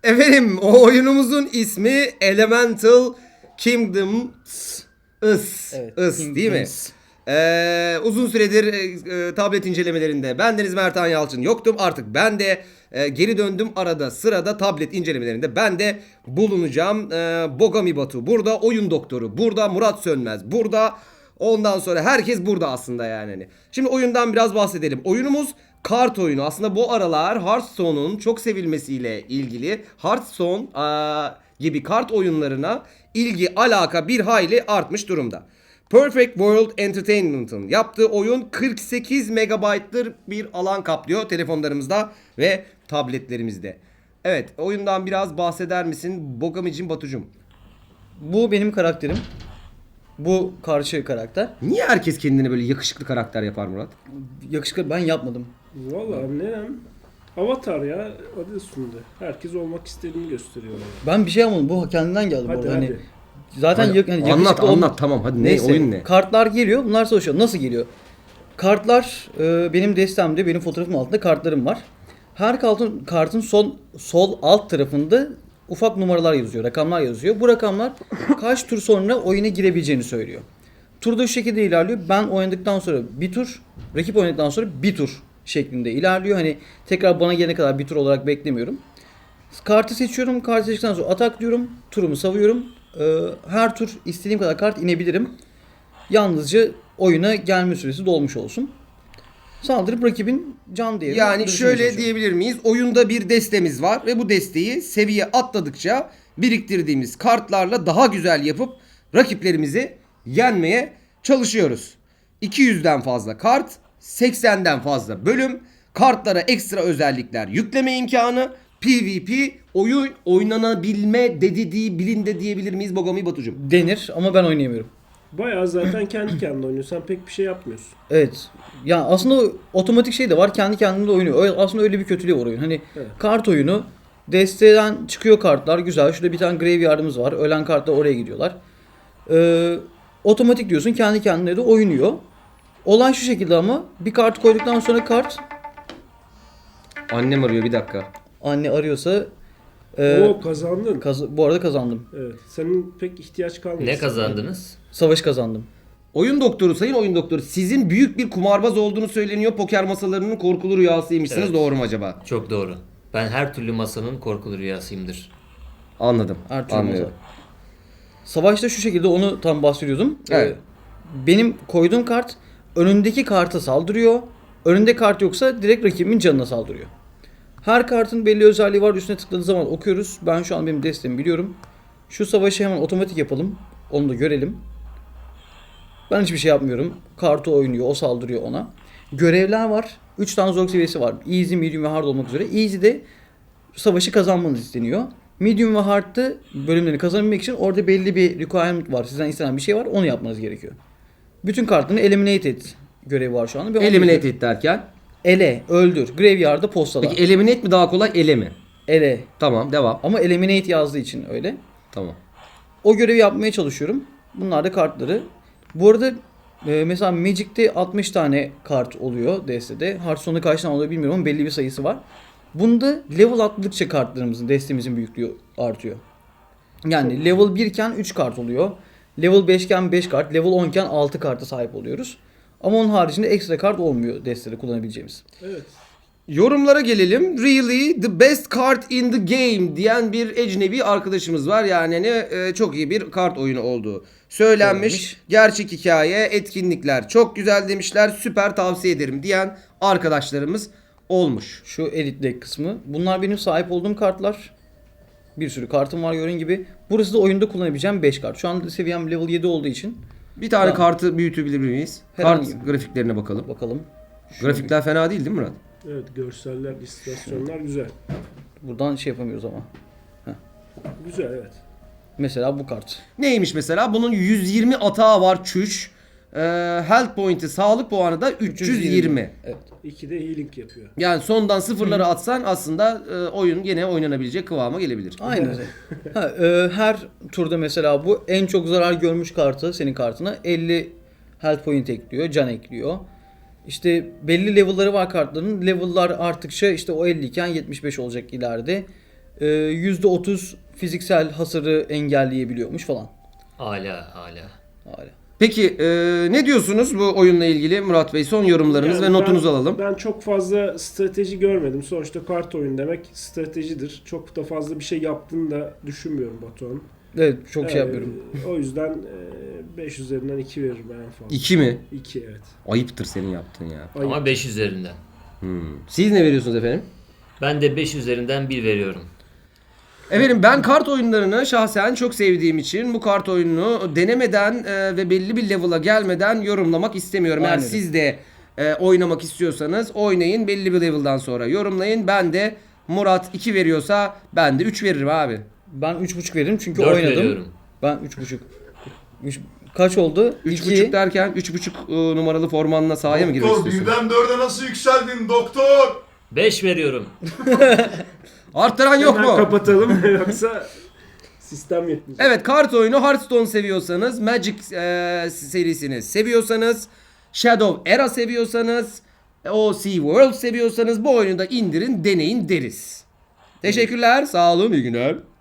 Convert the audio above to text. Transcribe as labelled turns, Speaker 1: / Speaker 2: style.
Speaker 1: Efendim o oyunumuzun ismi Elemental Kingdoms.
Speaker 2: Evet,
Speaker 1: Değil mi?
Speaker 2: Kingdoms.
Speaker 1: Uzun süredir tablet incelemelerinde bendeniz Mertan Yalçın yoktum. Artık ben de geri döndüm arada sırada tablet incelemelerinde ben de bulunacağım. Bogami Batu burada, oyun doktoru burada, Murat Sönmez burada. Ondan sonra herkes burada aslında yani. Şimdi oyundan biraz bahsedelim. Oyunumuz kart oyunu. Aslında bu aralar Hearthstone'un çok sevilmesiyle ilgili Hearthstone gibi kart oyunlarına ilgi alaka bir hayli artmış durumda. Perfect World Entertainment'ın yaptığı oyun 48 megabaytlık bir alan kaplıyor telefonlarımızda ve tabletlerimizde. Evet, oyundan biraz bahseder misin Bogamicim Batucum?
Speaker 2: Bu benim karakterim. Bu karşı karakter.
Speaker 1: Niye herkes kendine böyle yakışıklı karakter yapar Murat?
Speaker 2: Yakışıklı ben yapmadım.
Speaker 3: Valla ne? Avatar ya adı üstünde. Herkes olmak istediğini gösteriyor. Yani.
Speaker 2: Ben bir şey yapmadım. Bu kendinden geldi bu
Speaker 3: Hadi
Speaker 2: arada.
Speaker 3: hadi.
Speaker 2: Hani zaten
Speaker 1: Hadi,
Speaker 2: yakışıklı
Speaker 1: anlat
Speaker 2: olma-
Speaker 1: tamam hadi
Speaker 2: Neyse,
Speaker 1: oyun ne?
Speaker 2: kartlar geliyor. Bunlar savaşıyor. Nasıl geliyor? Kartlar benim destemde, benim fotoğrafımın altında kartlarım var. Her kartın sol alt tarafında ufak numaralar yazıyor, rakamlar yazıyor. Bu rakamlar kaç tur sonra oyuna girebileceğini söylüyor. Turda şu şekilde ilerliyor. Ben oynadıktan sonra bir tur, rakip oynadıktan sonra bir tur şeklinde ilerliyor. Hani tekrar bana gelene kadar bir tur olarak beklemiyorum. Kartı seçiyorum. Kartı seçtikten sonra atak diyorum. Turumu savuyorum. Her tur istediğim kadar kart inebilirim. Yalnızca oyuna gelme süresi dolmuş olsun. Saldırıp rakibin can değerini
Speaker 1: Yani
Speaker 2: düşürmeye
Speaker 1: şöyle
Speaker 2: çalışıyorum.
Speaker 1: diyebilir miyiz? Oyunda bir destemiz var ve bu desteği seviye atladıkça biriktirdiğimiz kartlarla daha güzel yapıp rakiplerimizi yenmeye çalışıyoruz. 200'den fazla kart, 80'den fazla bölüm, kartlara ekstra özellikler yükleme imkanı, PvP, oyun oynanabilme bilinde diyebilir miyiz Bogami Batucuğum?
Speaker 2: Denir ama ben oynayamıyorum.
Speaker 3: Bayağı zaten kendi kendine oynuyorsun. Sen pek bir şey yapmıyorsun.
Speaker 2: Evet. Ya aslında otomatik şey de var. Kendi kendine de oynuyor. Aslında öyle bir kötülüğü var oyun. Hani
Speaker 3: Evet.
Speaker 2: kart oyunu. Desteden çıkıyor kartlar. Güzel. Şurada bir tane graveyard'ımız var. Ölen kartlar oraya gidiyorlar. Otomatik diyorsun. Kendi kendine de oynuyor. Olay şu şekilde ama bir kart koyduktan sonra kart
Speaker 1: Annem arıyor bir dakika.
Speaker 2: anne arıyorsa
Speaker 3: Oo kazandın.
Speaker 2: bu arada kazandım.
Speaker 3: Evet. Senin pek ihtiyaç kalmadı.
Speaker 4: Ne kazandınız?
Speaker 2: Savaş kazandım.
Speaker 1: Oyun doktoru, sayın oyun doktoru, sizin büyük bir kumarbaz olduğunu söyleniyor. Poker masalarının korkulu rüyasıymışsınız.
Speaker 4: Evet.
Speaker 1: Doğru mu acaba?
Speaker 4: Çok doğru. Ben her türlü masanın korkulu rüyasıyımdır.
Speaker 1: Anladım.
Speaker 2: Her türlü
Speaker 1: Anlıyorum.
Speaker 2: masa. Savaşta şu şekilde onu tam bahsediyordum.
Speaker 1: Evet.
Speaker 2: Benim koyduğum kart önündeki karta saldırıyor. Önünde kart yoksa direkt rakibimin canına saldırıyor. Her kartın belli özelliği var. Üstüne tıkladığı zaman okuyoruz. Ben şu an benim destemi biliyorum. Şu savaşı hemen otomatik yapalım. Onu da görelim. Ben hiçbir şey yapmıyorum. Kartı oynuyor. O saldırıyor ona. Görevler var. 3 tane zorluk seviyesi var. Easy, medium ve hard olmak üzere. Easy'de savaşı kazanmanız isteniyor. Medium ve hard'da bölümleri kazanabilmek için orada belli bir requirement var. Sizden istenen bir şey var. Onu yapmanız gerekiyor. Bütün kartlarını eliminate et görevi var şu anda. Ve onu
Speaker 1: Eliminate
Speaker 2: yapıyorum.
Speaker 1: et derken.
Speaker 2: Ele, öldür. Graveyard'da postala.
Speaker 1: Peki eliminate mi daha kolay, ele mi?
Speaker 2: Ele.
Speaker 1: Tamam, devam.
Speaker 2: Ama eliminate yazdığı için öyle.
Speaker 1: Tamam.
Speaker 2: O görevi yapmaya çalışıyorum. Bunlar da kartları. Bu arada mesela Magic'te 60 tane kart oluyor destede. Hearthstone'da kaç tane oluyor bilmiyorum ama belli bir sayısı var. Bunda level atladıkça kartlarımızın, destemizin büyüklüğü artıyor. Yani level 1 iken 3 kart oluyor. Level 5 iken 5 kart, level 10 iken 6 karta sahip oluyoruz. Ama onun haricinde ekstra kart olmuyor destede kullanabileceğimiz.
Speaker 3: Evet.
Speaker 1: Yorumlara gelelim. Really the best card in the game diyen bir ecnebi arkadaşımız var. Yani hani, çok iyi bir kart oyunu olduğu söylenmiş.
Speaker 2: Söylenmiş.
Speaker 1: Gerçek hikaye, etkinlikler çok güzel demişler. Süper tavsiye ederim diyen arkadaşlarımız olmuş.
Speaker 2: Şu edit deck kısmı. Bunlar benim sahip olduğum kartlar. Bir sürü kartım var gördüğün gibi. Burası da oyunda kullanabileceğim 5 kart. Şu an seviyem level 7 olduğu için.
Speaker 1: Bir tane
Speaker 2: Tamam.
Speaker 1: kartı büyütebilir miyiz?
Speaker 2: Herhangi
Speaker 1: Kart grafiklerine bakalım.
Speaker 2: Bakalım.
Speaker 1: Grafikler fena değil mi Murat?
Speaker 3: Evet görseller, illüstrasyonlar güzel.
Speaker 2: Buradan şey yapamıyoruz ama.
Speaker 3: Güzel evet.
Speaker 2: Mesela bu kart.
Speaker 1: Neymiş mesela? Bunun 120 atağı var çüş. Health point'i, sağlık puanı da 320.
Speaker 2: Evet.
Speaker 3: 2'de healing yapıyor.
Speaker 1: Yani sondan sıfırları atsan aslında oyun gene oynanabilecek kıvama gelebilir.
Speaker 2: Aynen. Her turda mesela bu en çok zarar görmüş kartı senin kartına 50 health point ekliyor, can ekliyor. İşte belli level'ları var kartların. Level'lar arttıkça işte o 50 iken 75 olacak ileride. %30 fiziksel hasarı engelleyebiliyormuş falan.
Speaker 4: Hala.
Speaker 2: Hala.
Speaker 1: Peki ne diyorsunuz bu oyunla ilgili Murat Bey? Son yorumlarınız
Speaker 3: Yani
Speaker 1: ve notunuzu alalım.
Speaker 3: Ben çok fazla strateji görmedim. Sonuçta kart oyun demek stratejidir. Çok da fazla bir şey yaptığını da düşünmüyorum Batuhan.
Speaker 2: Evet çok şey yapıyorum.
Speaker 3: O yüzden 5 üzerinden 2 veririm en fazla.
Speaker 1: 2 mi?
Speaker 3: 2 evet.
Speaker 1: Ayıptır senin yaptığın ya.
Speaker 3: Ayıp.
Speaker 4: Ama 5 üzerinden.
Speaker 1: Siz ne veriyorsunuz efendim?
Speaker 4: Ben de 5 üzerinden 1 veriyorum.
Speaker 1: Efendim ben kart oyunlarını şahsen çok sevdiğim için bu kart oyununu denemeden ve belli bir level'a gelmeden yorumlamak istemiyorum. Eğer
Speaker 2: Aynen.
Speaker 1: siz de oynamak istiyorsanız oynayın, belli bir level'dan sonra yorumlayın. Ben de Murat 2 veriyorsa ben de 3 veririm abi.
Speaker 2: Ben 3.5 veririm çünkü
Speaker 4: 4
Speaker 2: oynadım.
Speaker 4: veriyorum.
Speaker 2: Ben 3.5. Kaç oldu?
Speaker 1: 3.5 derken 3.5 numaralı formanla sahaya mı girmek
Speaker 5: Doktor
Speaker 1: istiyorsun?
Speaker 5: birden 4'e nasıl yükseldin doktor?
Speaker 4: 5 veriyorum.
Speaker 1: Arttıran yok
Speaker 3: Hemen
Speaker 1: mu?
Speaker 3: kapatalım yoksa sistem yetmeyecek.
Speaker 1: Evet, kart oyunu Hearthstone seviyorsanız, Magic serisini seviyorsanız, Shadow Era seviyorsanız, OC World seviyorsanız bu oyunu da indirin, deneyin deriz. Teşekkürler, sağ olun, iyi günler.